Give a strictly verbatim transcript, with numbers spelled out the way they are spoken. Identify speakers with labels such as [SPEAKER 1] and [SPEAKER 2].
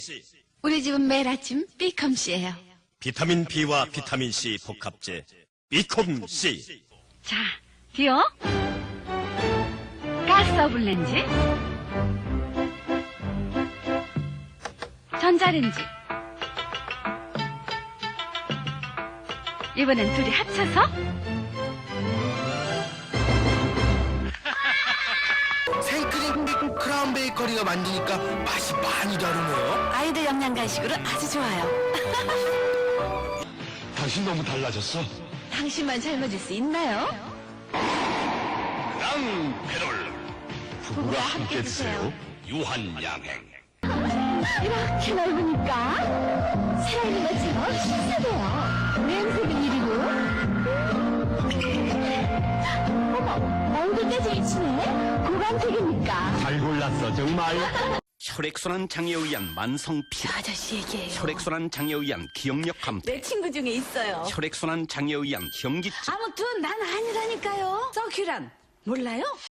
[SPEAKER 1] 우리 집은 매일 아침 비컴씨예요.
[SPEAKER 2] 비타민 B와 비타민 C 복합제 비콤 C.
[SPEAKER 1] 자, 디어. 가스 오븐렌지. 전자레인지. 이번엔 둘이 합쳐서
[SPEAKER 3] 생크림 크라운 베이커리가 만드니까 맛이 많이 다르네요.
[SPEAKER 4] 아이들 영양 간식으로 아주 좋아요.
[SPEAKER 3] 당신 너무 달라졌어.
[SPEAKER 4] 당신만 젊어질 수 있나요?
[SPEAKER 2] 양 페롤
[SPEAKER 4] 부부가 함께 드세요.
[SPEAKER 2] 유한양행.
[SPEAKER 4] 이렇게 넓으니까 살아있는 것처럼 신세대요. 냄새는 이리고. 어머, 얼굴 떼지 치네. 고관택입니까?
[SPEAKER 3] 잘 골랐어 정말.
[SPEAKER 5] 혈액순환 장애에 의한 만성
[SPEAKER 4] 저
[SPEAKER 5] 피로,
[SPEAKER 4] 아저씨 얘기해요.
[SPEAKER 5] 혈액순환 장애에 의한 기억력 감퇴,
[SPEAKER 4] 내 친구 중에 있어요.
[SPEAKER 5] 혈액순환 장애에 의한 현기증.
[SPEAKER 4] 아무튼 난 아니라니까요. 서큐란 몰라요?